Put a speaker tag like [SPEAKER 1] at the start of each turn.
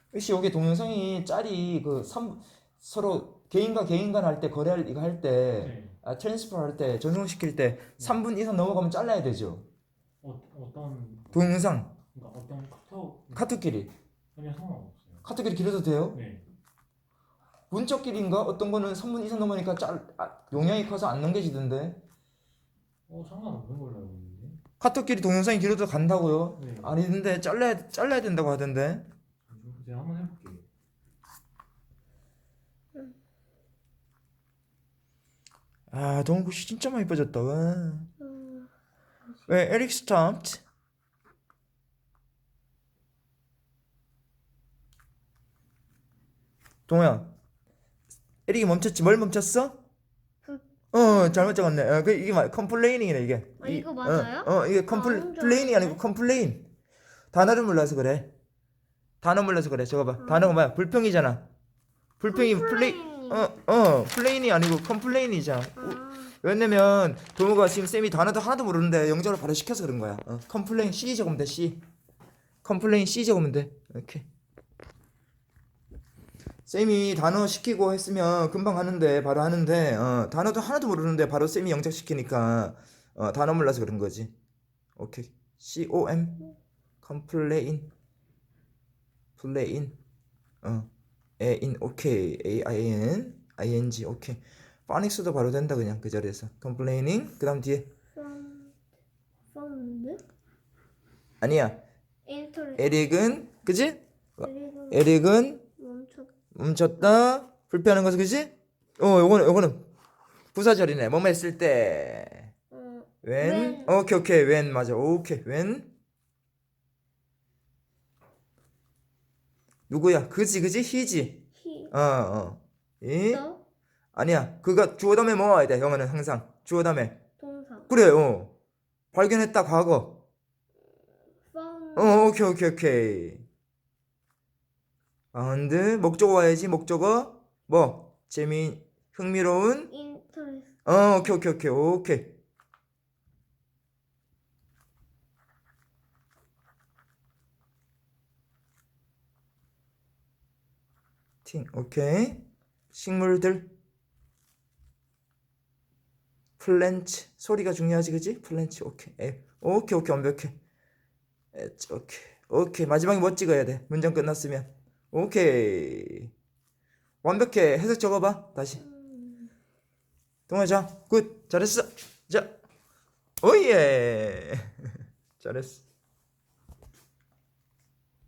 [SPEAKER 1] 혹시 여기 동영상이 짤이 서로 개인과 개인 간 할 때 거래할 이거 할 때
[SPEAKER 2] 네.
[SPEAKER 1] 트랜스퍼 할 때 전송시킬 때 3분 이상 넘어가면 잘라야 되죠.
[SPEAKER 2] 어떤
[SPEAKER 1] 동영상
[SPEAKER 2] 그러니까 어떤 카톡
[SPEAKER 1] 카톡끼리
[SPEAKER 2] 전혀 상관없어요.
[SPEAKER 1] 카톡끼리 길어도 돼요?
[SPEAKER 2] 네.
[SPEAKER 1] 문자끼리인가? 어떤 거는 3분 이상 넘으니까 용량이 커서 안 넘겨지던데.
[SPEAKER 2] 상관없는 걸로 알고 있는데.
[SPEAKER 1] 카톡끼리 동영상이 길어도 간다고요?
[SPEAKER 2] 네.
[SPEAKER 1] 아니던데 잘라야 된다고 하던데.
[SPEAKER 2] 제가 한번 해볼게요.
[SPEAKER 1] 아 동국씨 진짜 많이 빠졌다. 왜 에릭 스톰트? 동호야, 에릭이 멈췄지? 뭘 멈췄어? 잘못 적었네. 이게 컴플레이닝이네 이게.
[SPEAKER 3] 이거 맞아요?
[SPEAKER 1] 이게
[SPEAKER 3] 아, 혼자
[SPEAKER 1] 컴플레인이 아니고
[SPEAKER 3] 하는데?
[SPEAKER 1] 컴플레인. 단어를 몰라서 그래. 단어 몰라서 그래. 적어봐. 단어가 뭐야? 불평이잖아. 불평이
[SPEAKER 3] 컴플레인이.
[SPEAKER 1] 플레인이 아니고 컴플레인이잖아.
[SPEAKER 3] 아,
[SPEAKER 1] 왜냐면 동호가 지금 쌤이 단어도 하나도 모르는데 영적으로 바로 시켜서 그런 거야. 컴플레인 C 적으면 돼. C. 컴플레인 C 적으면 돼. 이렇게. 쌤이 단어 시키고 했으면 금방 하는데 바로 하는데 단어도 하나도 모르는데 바로 쌤이 영작 시키니까 단어 몰라서 그런 거지. 오케이. COM 컴플레인 플레인 에인 오케이 AIN ING 오케이. 파닉스도 바로 된다 그냥 그 자리에서. 컴플레이닝 그다음 뒤에
[SPEAKER 3] 펀드?
[SPEAKER 1] 아니야.
[SPEAKER 3] 인터넷.
[SPEAKER 1] 에릭은 그지?
[SPEAKER 3] 그리고
[SPEAKER 1] 에릭은 멈췄다. 불편한 것은 그지? 요거는 부사절이네. 뭐뭐 했을 때. when. 오케이. when 맞아. 오케이. when. 누구야? 그지? 히지.
[SPEAKER 3] 히.
[SPEAKER 1] 이?
[SPEAKER 3] 더.
[SPEAKER 1] 아니야. 그가 주어 다음에 뭐 와야 돼? 영어는 항상 주어 다음에.
[SPEAKER 3] 동사.
[SPEAKER 1] 그래. 발견했다 과거.
[SPEAKER 3] found.
[SPEAKER 1] 오케이. found 목적어 와야지. 목적어 뭐? 흥미로운.
[SPEAKER 3] 인터넷.
[SPEAKER 1] 오케이. 오케이. 식물들. 플랜츠 소리가 중요하지 그지? 플랜츠 오케이. 오케이 완벽해. 오케이 마지막에 뭐 찍어야 돼? 문장 끝났으면. 오케이 완벽해. 해석 적어봐 다시. 동아 자 굿 잘했어. 자 오예 잘했어.